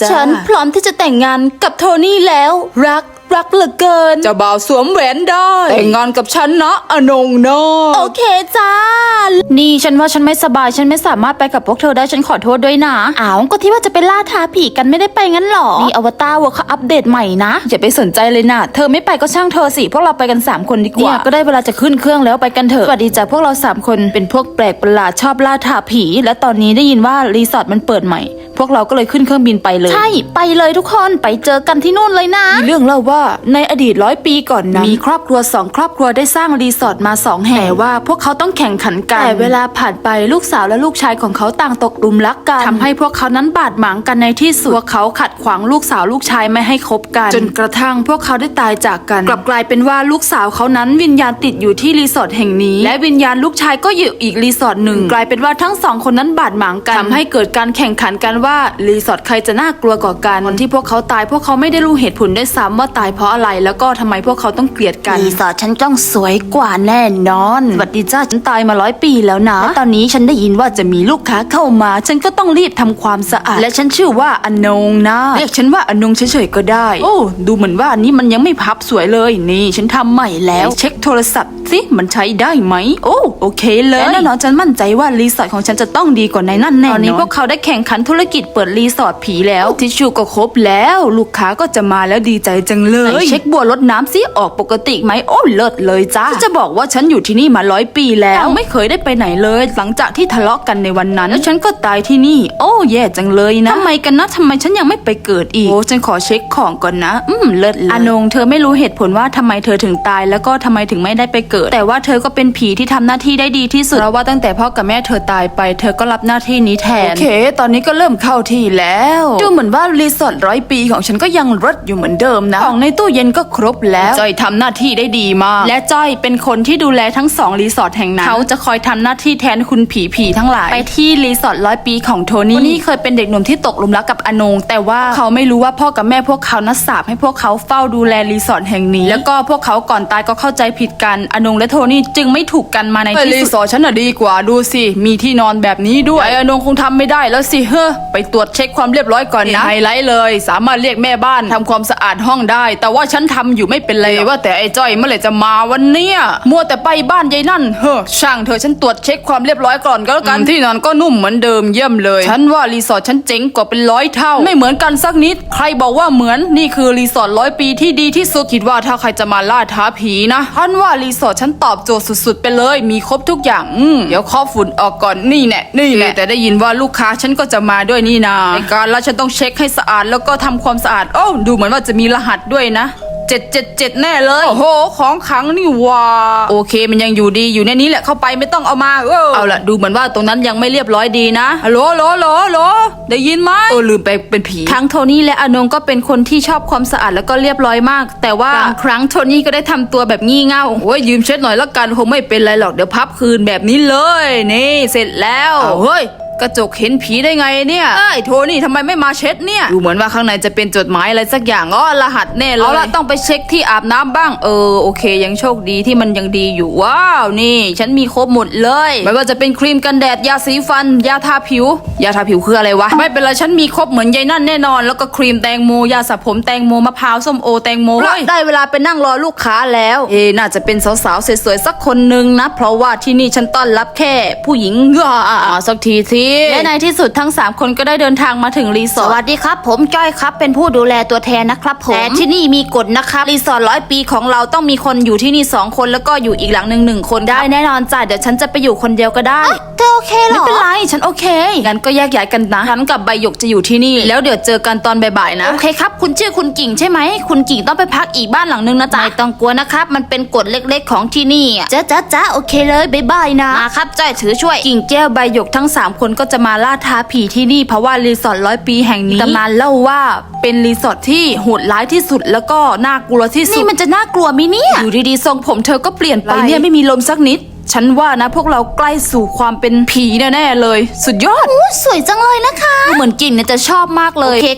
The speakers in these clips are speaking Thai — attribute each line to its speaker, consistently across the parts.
Speaker 1: ฉันพร้อมที่จะแต่งงานกับโทนี่แล้วรักเหลือเกิน
Speaker 2: เจ้าบ่าวสวมแหวนได้แต่งงานกับฉันนะอนงนะ
Speaker 1: โอเคจ้านี่ฉันว่าฉันไม่สบายฉันไม่สามารถไปกับพวกเธอได้ฉันขอโทษด้วยนะอ้าวก็ที่ว่าจะไปล่าท้าผีกันไม่ได้ไปงั้นหรอนี่อวตารเวิร์คเขาอัปเดตใหม่นะอย่าไปสนใจเลยนะเธอไม่ไปก็ช่างเธอสิพวกเราไปกัน3คนดีกว่าเนี่ยก็ได้เวลาจะขึ้นเครื่องแล้วไปกันเถอะสวัสดีจ้ะพวกเรา3คนเป็นพวกแปลกประหลาดชอบล่าท้าผีและตอนนี้ได้ยินว่ารีสอร์ทมันเปิดใหม่พวกเราก็เลยขึ้นเครื่องบินไปเลยใช่ไปเลยทุกคนไปเจอกันที่นู่นเลยนะมีเรื่องเล่าว่าในอดีต100 ปีก่อนนะมีครอบครัว2ครอบครัวได้สร้างรีสอร์ทมา2แห่งแต่ว่าพวกเขาต้องแข่งขันกันแต่เวลาผ่านไปลูกสาวและลูกชายของเขาต่างตกหลุมรักกันทำให้พวกเขานั้นบาดหมางกันในที่สุดพวกเขาขัดขวางลูกสาวลูกชายไม่ให้คบกันจนกระทั่งพวกเขาได้ตายจากกันกลับกลายเป็นว่าลูกสาวเขานั้นวิญญาณติดอยู่ที่รีสอร์ทแห่งนี้และวิญญาณลูกชายก็อยู่อีกรีสอร์ทหนึ่งกลายเป็นว่าทั้ง2คนนั้นบาดหมางกันทำให้เกิดการแข่งขันกันว่ารีสอร์ทใครจะน่ากลัวกว่ากันวันที่พวกเขาตายพวกเขาไม่ได้รู้เหตุผลด้วยซ้ำว่าตายเพราะอะไรแล้วก็ทำไมพวกเขาต้องเกลียดกันรีสอร์ทฉันต้องสวยกว่าแน่นอนสวัสดีจ้าฉันตายมา100 ปีแล้วนะและตอนนี้ฉันได้ยินว่าจะมีลูกค้าเข้ามาฉันก็ต้องรีบทำความสะอาดและฉันชื่อว่าอนงนะเรียกฉันว่าอนงเฉยๆก็ได้โอ้ดูเหมือนว่าอันนี้มันยังไม่พับสวยเลยนี่ฉันทำใหม่แล้วเช็คโทรศัพท์สิมันใช้ได้ไหมโอ้โอเคเลยแน่นอนฉันมั่นใจว่ารีสอร์ทของฉันจะต้องดีกว่าในนั่นแน่นอนตอนนี้พวกเขาได้แข่งขันธุรกิจเปิดรีสอร์ทผีแล้วทิชชู่ก็ครบแล้วลูกค้าก็จะมาแล้วดีใจจังเลยเช็คบัวรดน้ำสิออกปกติไหมโอ้เลิศเลยจ้าจะบอกว่าฉันอยู่ที่นี่มา100 ปีแล้วไม่เคยได้ไปไหนเลยหลังจากที่ทะเลาะกันในวันนั้นแล้วฉันก็ตายที่นี่โอ้แย่จังเลยนะทำไมกันนะทำไมฉันยังไม่ไปเกิดอีกโอ้ฉันขอเช็คของก่อนนะเลิศเลยอนงเธอไม่รู้เหตุผลว่าทำไมเธอถึงตายแล้วก็ทำไมถึงไม่ได้ไปเกิดแต่ว่าเธอก็เป็นผีที่ทำหน้าที่ได้ดีที่สุดเพราะว่าตั้งแต่พ่อกับแม่เธอตายไปเธอก็รับหน้าที่นี้แทนโอเคตอนนี้ก็เริ่มเข้าที่แล้วดูเหมือนว่ารีสอร์ท100 ปีของฉันก็ยังรสอยู่เหมือนเดิมนะของในตู้เย็นก็ครบแล้วจอยทำหน้าที่ได้ดีมากและจ้อยเป็นคนที่ดูแลทั้ง2รีสอร์ทแห่งนั้นเขาจะคอยทำหน้าที่แทนคุณผีทั้งหลายไปที่รีสอร์ท100 ปีของโทนี่เคยเป็นเด็กหนุ่มที่ตกหลุมรักกับอนงแต่ว่าเขาไม่รู้ว่าพ่อกับแม่พวกเขานัดสาปให้พวกเขาเฝ้าดูแลรีสอร์ทแห่งนี้แล้วก็พวกเขาก่อนตายก็เข้าใจผิดกันอนงและโทนี่จึงไม่ถูกกันมาในที่สุดรีสอร์ทฉันน่ะดีกว่าดูสิมีที่นอนแบบนี้ด้วยไอ้อนงคงทำไม่ได้แล้วสิไปตรวจเช็คความเรียบร้อยก่อนนะไฮไลท์เลยสามารถเรียกแม่บ้านทำความสะอาดห้องได้แต่ว่าฉันทำอยู่ไม่เป็นไรว่าแต่ไอ้จ้อยเมื่อไหร่จะมาวันเนี้ยมัวแต่ไปบ้านยายนั่นช่างเธอฉันตรวจเช็คความเรียบร้อยก่อนก็แล้วกันที่นอนก็นุ่มเหมือนเดิมเยี่ยมเลยฉันว่ารีสอร์ทฉันเจ๋งกว่าเป็น100 เท่าไม่เหมือนกันสักนิดใครบอกว่าเหมือนนี่คือรีสอร์ท100 ปีที่ดีที่สุดคิดว่าถ้าใครจะมาล่าท้าผีนะฉันว่ารีสอร์ทฉันตอบโจทย์สุดๆไปเลยมีครบทุกอย่างเดี๋ยวข้อฝุ่นออกก่อนนี่แหละแต่ได้ยินว่าลูกค้าฉันก็จะมาด้วยนี่นาในการแล้วฉันต้องเช็คให้สะอาดแล้วก็ทำความสะอาดโอ้ดูเหมือนว่าจะมีรหัสด้วยนะ777แน่เลยโอ้โหของขังนี่ว่าโอเคมันยังอยู่ดีอยู่ในนี้แหละเข้าไปไม่ต้องเอามาเอาละดูเหมือนว่าตรงนั้นยังไม่เรียบร้อยดีนะฮัลโหลได้ยินไหมลืมไปเป็นผีทั้งโทนี่และอนงก็เป็นคนที่ชอบความสะอาดแล้วก็เรียบร้อยมากแต่ว่าบางครั้งโทนี่ก็ได้ทำตัวแบบงี่เง่าโอ้ยยืมเช็ดหน่อยละกันคงไม่เป็นไรหรอกเดี๋ยวพับคืนแบบนี้เลยนี่เสร็จแล้วเฮ้ยกระจกเห็นผีได้ไงเนี่ยโทนี่ทำไมไม่มาเช็ดเนี่ยดูเหมือนว่าข้างในจะเป็นจดหมายอะไรสักอย่างรหัสแน่เลยเอาละต้องไปเช็คที่อาบน้ำบ้างโอเคยังโชคดีที่มันยังดีอยู่ว้าวนี่ฉันมีครบหมดเลยไม่ว่าจะเป็นครีมกันแดดยาสีฟันยาทาผิวคืออะไรวะไม่เป็นไรฉันมีครบเหมือนยายนั่นแน่นอนแล้วก็ครีมแตงโมยาสระผมแตงโมมะพร้าวส้มโอแตงโมได้เวลาไปนั่งรอลูกค้าแล้วน่าจะเป็นสาวๆสวยๆสักคนนึงนะเพราะว่าที่นี่ฉันต้อนรับแค่ผู้หญิงสักทีสิและในที่สุดทั้ง3คนก็ได้เดินทางมาถึงรีสอร์ทสวัสดีครับผมจ้อยครับเป็นผู้ดูแลตัวแทนนะครับผมแต่ที่นี่มีกฎนะครับรีสอร์ท100 ปีของเราต้องมีคนอยู่ที่นี่2 คนแล้วก็อยู่อีกหลังหนึ่งคนได้แน่นอนจ้ะเดี๋ยวฉันจะไปอยู่คนเดียวก็ได้เธอโอเคหรอไม่เป็นไรฉันโอเคงั้นก็แยกย้ายกันนะฉันกับใบหยกจะอยู่ที่นี่แล้วเดี๋ยวเจอกันตอนบ่ายๆนะโอเคครับคุณชื่อคุณกิ่งใช่ไหมคุณกิ่งต้องไปพักอีกบ้านหลังนึงนะจ๊ะไม่ต้องกลัวนะครับมันเป็นกฎเล็กๆของที่นี่จ้าโอเคเลยบ๊ายนะมาครับจ้อยถือช่วยกิ่งแก้วใบหยกทั้ง3 คนก็จะมาล่าท้าผีที่นี่เพราะว่ารีสอร์ท100 ปีแห่งนี้ตำนานเล่าว่าเป็นรีสอร์ทที่โหดร้ายที่สุดแล้วก็น่ากลัวที่สุดนี่มันจะน่ากลัวมั้ยเนี่ยอยู่ดีๆทรงผมเธอก็เปลี่ยนไปเนี่ยไม่มีลมสักนิดฉันว่านะพวกเราใกล้สู่ความเป็นผีแน่ๆเลยสุดยอดสวยจังเลยนะคะเหมือนกิ่งเนี่ยจะชอบมากเลยโอเคครับ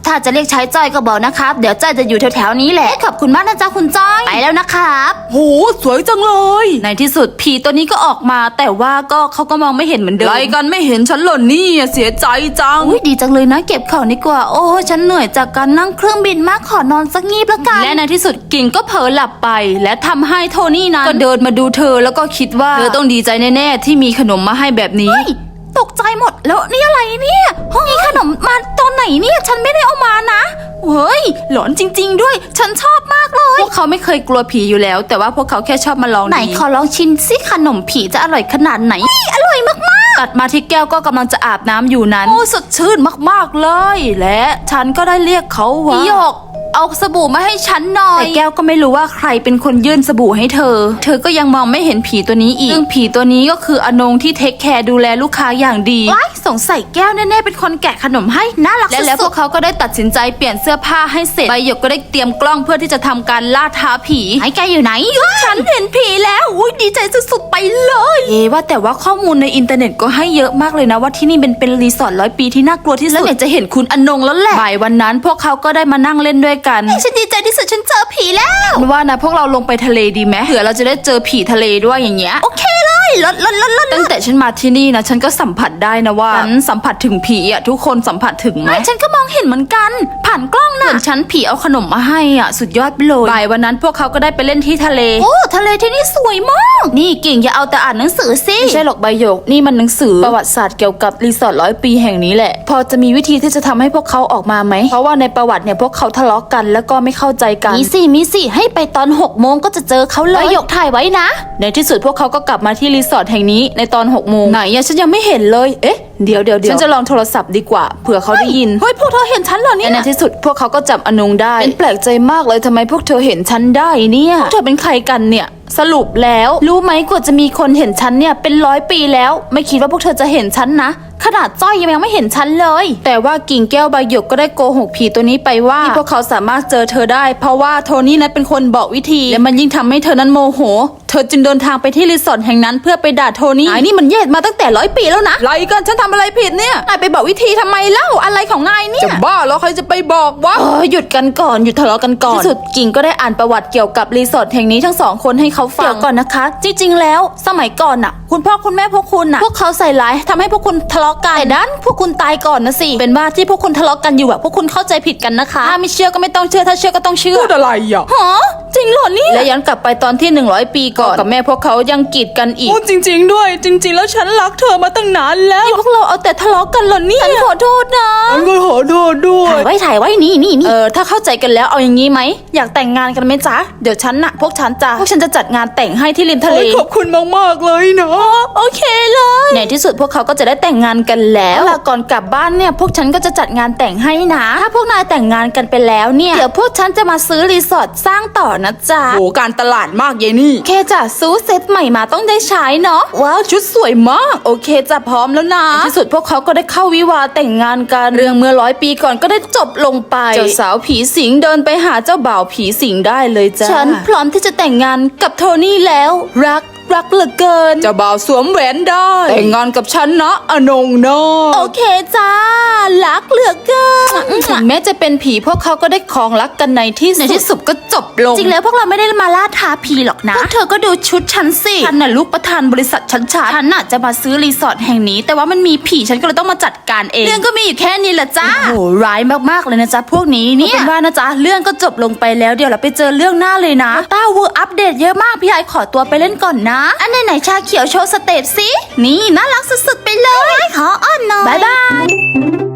Speaker 1: ถ้าจะเรียกใช้จ้อยก็บอกนะครับเดี๋ยวจ้อยจะอยู่แถวๆนี้แหละขอบคุณมากนะจ๊ะคุณจ้อยไปแล้วนะครับ
Speaker 2: โหสวยจังเลย
Speaker 1: ในที่สุดผีตัวนี้ก็ออกมาแต่ว่าเขาก็มองไม่เห็นเหมือนเดิม
Speaker 2: ไรกันไม่เห็นฉันหล่นนี่เสียใจจัง
Speaker 1: อุ้ยดีจังเลยนะเก็บของดีกว่าโอ้ฉันเหนื่อยจากการนั่งเครื่องบินมากขอนอนสักงีบละกันและในที่สุดกิ่งก็เผลอหลับไปและทำให้โทนี่นั้นก็เดินมาดูเธอแล้วก็คิดว่าเธอต้องดีใจแน่ๆที่มีขนมมาให้แบบนี้ตกใจหมดแล้วนี่อะไรเนี่ยมีขนมมาตอนไหนเนี่ยฉันไม่ได้เอามานะเฮ้ยหลอนจริงๆด้วยฉันชอบมากเลยพวกเขาไม่เคยกลัวผีอยู่แล้วแต่ว่าพวกเขาแค่ชอบมาลองไหนขอลองชิมสิขนมผีจะอร่อยขนาดไหนอร่อยมากๆตัดมาที่แก้วก็กำลังจะอาบน้ำอยู่นั้นโอ้สดชื่นมากๆเลยและฉันก็ได้เรียกเขาว่าพี่หยกเอาสบู่มาให้ฉันหน่อยแต่แก้วก็ไม่รู้ว่าใครเป็นคนยื่นสบู่ให้เธอก็ยังมองไม่เห็นผีตัวนี้อีกซึ่งผีตัวนี้ก็คืออนงที่เทคแคร์ดูแลลูกค้าอย่างดีว้ายสงสัยแก้วแน่ๆเป็นคนแกะขนมให้น่ารักสุดๆแล้วพวกเขาก็ได้ตัดสินใจเปลี่ยนเสื้อผ้าให้เสร็จใบหยกก็ได้เตรียมกล้องเพื่อที่จะทำการล่าท้าผีไอ้แกอยู่ไหนฉันเห็นผีแล้วอุ้ยดีใจสุดๆไปเลยว่าแต่ว่าข้อมูลในอินเทอร์เน็ตก็ให้เยอะมากเลยนะว่าที่นี่เป็นรีสอร์ท100 ปีที่น่ากลัวที่สุดแล้วเนี่ยจะเห็นคุณอนงแล้วแหละบ่ายวันนั้นพวกเขาก็ได้มานั่งเล่นด้วยกันฉันดีใจที่สุดฉันเจอผีแล้วว่านะพวกเราลงไปทะเลดีไหมเผื่อเราจะได้เจอผีทะเลด้วยอย่างเงี้ยโอเคเลยลดตั้งแต่ฉันมาที่นี่นะฉันก็สัมผัสได้นะว่าฉันสัมผัสถึงผีอ่ะทุกคนสัมผัสถึงไหมฉันก็มองเห็นเหมือนกันผ่านกล้องนะฉันผีเอาขนมมาให้อ่ะสุดยอดไปเลยบ่ายวันนั้นพวกเขาก็ได้ไปเล่นที่ทะเลโอ้ทะเลที่นี่สวยมากนี่กิ่งอย่าเอาแต่อ่านหนังสือสิไม่ใช่หรอกใบหยกนี่มันหนังสือประวัติศาสตร์เกี่ยวกับรีสอร์ท100 ปีแห่งนี้แหละพอจะมีวิธีที่จะทำให้พวกเขาออกมาไหมเพราะว่าในประวัติเนี่ยพวกเขาทะเลาะกันแล้วก็ไม่เข้าใจกันมีสิให้ไปตอน6 โมงก็จะเจอเขาเลยใบหยกถ่ายไว้นะในที่สุดพวกเขาก็กลับมาที่รีสอร์ทแห่งนี้ในตอน6 โมงไหนอะฉันยังไม่เห็นเลยเอ๊ะเดี๋ยวฉันจะลองโทรศัพท์ดีกว่าเผื่อเขาได้ยินเฮ้ยพวกเธอเห็นฉันเหรอเนี่ยในที่สุดพวกเขาก็จับอนงได้เป็นแปลกใจมากเลยทำไมพวกเธอเห็นฉันได้เนี่ยพวกเธอเป็นใครกันเนี่ยสรุปแล้วรู้ไหมกว่าจะมีคนเห็นฉันเนี่ยเป็น100 ปีแล้วไม่คิดว่าพวกเธอจะเห็นฉันนะขนาดจ้อยยังไม่เห็นฉันเลยแต่ว่ากิ่งแก้วใบหยกก็ได้โกหกผีตัวนี้ไปว่าที่พวกเขาสามารถเจอเธอได้เพราะว่าโทนี่นั้นเป็นคนบอกวิธีและมันยิ่งทำให้เธอนั้นโมโหเธอจึงเดินทางไปที่รีสอร์ทแห่งนั้นเพื่อไปด่าโทนี่ไอ้นี่มันแย่มาตั้งแต่100 ปีแล้วนะไรกันฉันทำอะไรผิดเนี่ยนายไปบอกวิธีทำไมเล่าอะไรของนายเนี่ย
Speaker 2: จะบ้าแล้วใครจะไปบอกวะ
Speaker 1: หยุดกันก่อนหยุดทะเลาะกันก่อนที่สุดกิ่งก็ได้อ่านประวัติเกี่ยวกับรีสอร์ทแห่งนี้ทั้ง2 คนให้เขาฟังเดี๋ยวก่อนนะคะจริงๆแล้วสมัยก่อนน่ะคุณพ่อคุณแม่พวกคุณน่ะพวกเขาใส่ร้ายทำให้พวกคุณทะเลาะกันแต่ดันพวกคุณตายก่อนนะสิเป็นว่าที่พวกคุณทะเลาะกันอยู่อะพวกคุณเข้าใจผิดกันนะคะถ้าไม่เชื่อก็ไม่ต้องเชื่อถ้าเชื่อก็ต้องเชื่อ
Speaker 2: พูดอะไรอ่ะ
Speaker 1: ฮะจริงเหรอเนี่ยและย้อนกลับไปตอนที่100 ปีก่อนกับแม่พวกเขายังกีดกันอีก
Speaker 2: พูดจริงๆด้วยจริงๆแล้วฉันรักเธอมาตั้งนานแล้ว
Speaker 1: พวกเราเอาแต่ทะเลาะกันเหรอเนี่ยฉันขอโทษนะ
Speaker 2: ฉันก็ขอโทษด้วย
Speaker 1: ถ่ายไว้นี่ถ้าเข้าใจกันแล้วเอาอย่างงี้ไหมอยากแต่งงานกันไหมจ๊ะเดี๋ยวฉันน่ะพวกฉันจะจัดงานแต่งให้ที่ริมทะเล
Speaker 2: ขอบคุณมากๆเลยนะ
Speaker 1: โอเคเลยในที่สุดพวกเขาก็จะได้แต่งงานกันแล้วก่อนกลับบ้านเนี่ยพวกฉันก็จะจัดงานแต่งให้นะถ้าพวกนายแต่งงานกันไปแล้วเนี่ยเดี๋ยวพวกฉันจะมาซื้อรีสอร์ทสร้างต่อนะจ๊ะ
Speaker 2: โหการตลาดมากเยนี่
Speaker 1: แค่จะซื้อเซตใหม่มาต้องได้ใช้เนาะ
Speaker 2: ว้าวชุดสวยมากโอเคจะพร้อมแล้วนะ
Speaker 1: ในที่สุดพวกเขาก็ได้เข้าวิวาห์แต่งงานกันเรื่องเมื่อ100 ปีก่อนก็ได้จบลงไปเจ้าสาวผีสิงเดินไปหาเจ้าบ่าวผีสิงได้เลยจ้ะฉันพร้อมที่จะแต่งงานกับโทนี่แล้วรักเหลือเกิน
Speaker 2: เจ้าบ่าวสวมแหวนได้แต่งงานกับฉันนะอนงเนาะ
Speaker 1: โอเคจ้ารักเหลือเกินถึงแม้จะเป็นผีพวกเขาก็ได้ครองรักกันในที่สุดก็จบลงจริงแล้วพวกเราไม่ได้มาล่าท้าผีหรอกนะพวกเธอก็ดูชุดฉันสิฉันน่ะลูกประธานบริษัทฉันน่ะจะมาซื้อรีสอร์ทแห่งนี้แต่ว่ามันมีผีฉันก็เลยต้องมาจัดการเองเรื่องก็มีอยู่แค่นี้แหละจ้าโอ้ร้ายมากๆเลยนะจ๊ะพวกนี้เนี่ยเป็นว่านะจ๊ะเรื่องก็จบลงไปแล้วเดี๋ยวเราไปเจอเรื่องหน้าเลยนะต้าวูอัปเดตเยอะมากพี่ไอขอตัวไปเล่นก่อนนะอันไหนชาเขียวโชว์สเตปสินี่น่ารักสุดๆไปเลยขออ้อนหน่อยบ๊ายบาย